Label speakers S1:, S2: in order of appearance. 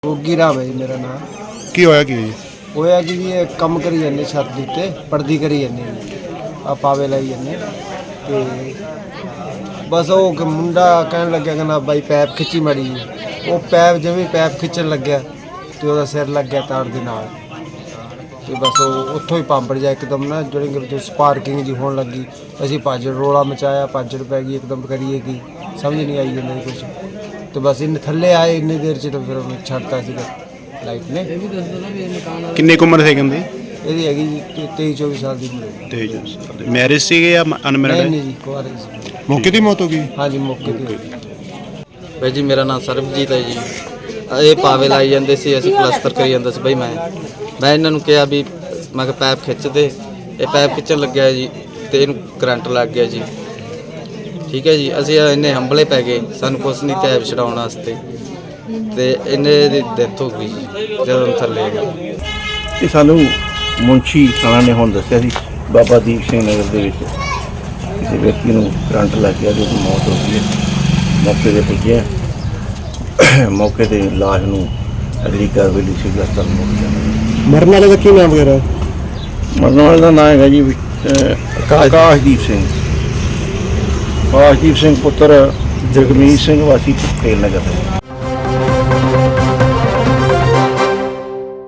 S1: ਗੋਗੀ ਰਾਮ ਹੈ ਜੀ ਮੇਰਾ ਨਾਮ।
S2: ਕੀ ਹੋਇਆ ਕੀ ਜੀ?
S1: ਹੋਇਆ ਕਿ ਜੀ ਇਹ ਕੰਮ ਕਰੀ ਜਾਂਦੇ ਛੱਤ ਦੇ ਉੱਤੇ ਪਰਦੀ ਕਰੀ ਜਾਂਦੇ ਆ ਪਾਵੇ ਲਾਈ ਜਾਂਦੇ ਤੇ ਬਸ ਉਹ ਮੁੰਡਾ ਕਹਿਣ ਲੱਗਿਆ ਕਹਿੰਦਾ ਬਾਈ ਪੈਪ ਖਿੱਚੀ ਮਾੜੀ ਜੀ। ਉਹ ਪੈਪ ਜਿਵੇਂ ਪੈਪ ਖਿੱਚਣ ਲੱਗਿਆ ਤੇ ਉਹਦਾ ਸਿਰ ਲੱਗ ਗਿਆ ਤਾਰ ਦੇ ਨਾਲ ਤੇ ਬਸ ਉਹ ਉੱਥੋਂ ਹੀ ਪੰਪੜ ਜਾ ਇੱਕਦਮ ਨਾ ਜਿਹੜੀ ਸਪਾਰਕਿੰਗ ਜੀ ਹੋਣ ਲੱਗੀ। ਅਸੀਂ ਭੱਜ ਰੋਲਾ ਮਚਾਇਆ, ਭੱਜ ਪੈ ਗਈ ਇੱਕਦਮ ਕਰੀਏ ਕੀ ਸਮਝ ਨਹੀਂ ਆਈ ਜਾਂਦਾ ਕੁਛ ਤੇ ਬਸ ਇਹਨੇ ਥੱਲੇ ਆਏ ਇੰਨੀ ਦੇਰ ਚ ਤਾਂ ਫਿਰ ਉਹਨੂੰ ਛੱਡਤਾ ਸੀਗਾ ਲਾਈਟ ਨੇ।
S2: ਕਿੰਨੀ ਕੁ ਉਮਰ ਸੀ ਕਹਿੰਦੇ?
S1: ਇਹਦੀ ਹੈਗੀ ਜੀ 23-24 ਸਾਲ ਦੀ ਉਮਰ।
S2: 23 ਸਾਲ ਦੇ। ਮੈਰਿਜ ਸੀਗੇ ਜਾਂ ਅਨਮੈਰਿਡ?
S1: ਨਹੀਂ ਜੀ ਕੁਆਰੇ ਸੀ।
S2: ਮੌਕੇ ਦੀ ਮੌਤ ਹੋ ਗਈ?
S1: ਹਾਂਜੀ ਮੌਕੇ ਤੇ।
S3: ਭਾਈ ਜੀ ਮੇਰਾ ਨਾਮ ਸਰਬਜੀਤ ਹੈ ਜੀ। ਇਹ ਪਾਵੇ ਲਾਈ ਜਾਂਦੇ ਸੀ, ਅਸੀਂ ਪਲਸਤਰ ਕਰੀ ਜਾਂਦਾ ਸੀ। ਬਈ ਮੈਂ ਇਹਨਾਂ ਨੂੰ ਕਿਹਾ ਵੀ ਮੈਂ ਕਿਹਾ ਪੈਪ ਖਿੱਚ ਦੇ। ਇਹ ਪੈਪ ਖਿੱਚਣ ਲੱਗਿਆ ਜੀ ਤੇ ਇਹਨੂੰ ਕਰੰਟ ਲੱਗ ਗਿਆ ਜੀ। ਠੀਕ ਹੈ ਜੀ, ਅਸੀਂ ਇੰਨੇ ਹੰਬਲੇ ਪੈ ਗਏ, ਸਾਨੂੰ ਕੁਛ ਨਹੀਂ ਤੇ ਛਡਾਉਣ ਵਾਸਤੇ ਤੇ ਇਹਨੇ ਦੀ ਡੈਥ ਹੋ ਗਈ ਜਦੋਂ ਥੱਲੇ ਗਏ।
S4: ਇਹ ਸਾਨੂੰ ਮੁੰਸ਼ੀ ਖਾਣਾ ਨੇ ਹੁਣ ਦੱਸਿਆ ਸੀ ਬਾਬਾ ਦੀਪ ਸਿੰਘ ਨਗਰ ਦੇ ਵਿੱਚ ਕਿਸੇ ਵਿਅਕਤੀ ਨੂੰ ਕਰੰਟ ਲੱਗ ਗਿਆ ਜਿਹਦੀ ਮੌਤ ਹੋ ਗਈ ਹੈ। ਮੌਕੇ 'ਤੇ ਪੁੱਜੇ, ਮੌਕੇ 'ਤੇ ਲਾਸ਼ ਨੂੰ ਅਗਲੀ ਕਾਰਵਾਈ ਲਈ ਸਿਵਲ ਹਸਪਤਾਲ ਮੁੱਕ ਜਾਂਦਾ।
S2: ਮਰਨ ਵਾਲੇ ਦਾ ਕੀ ਨਾਮ ਵਗੈਰਾ?
S4: ਮਰਨ ਵਾਲੇ ਦਾ ਨਾਮ ਹੈਗਾ ਜੀ ਆਕਾਸ਼ਦੀਪ ਸਿੰਘ। ਆਕਾਸ਼ਦੀਪ ਸਿੰਘ ਪੁੱਤਰ ਜਗਮੀਤ ਸਿੰਘ ਵਾਸੀ ਤੇਲ ਨਗਰ।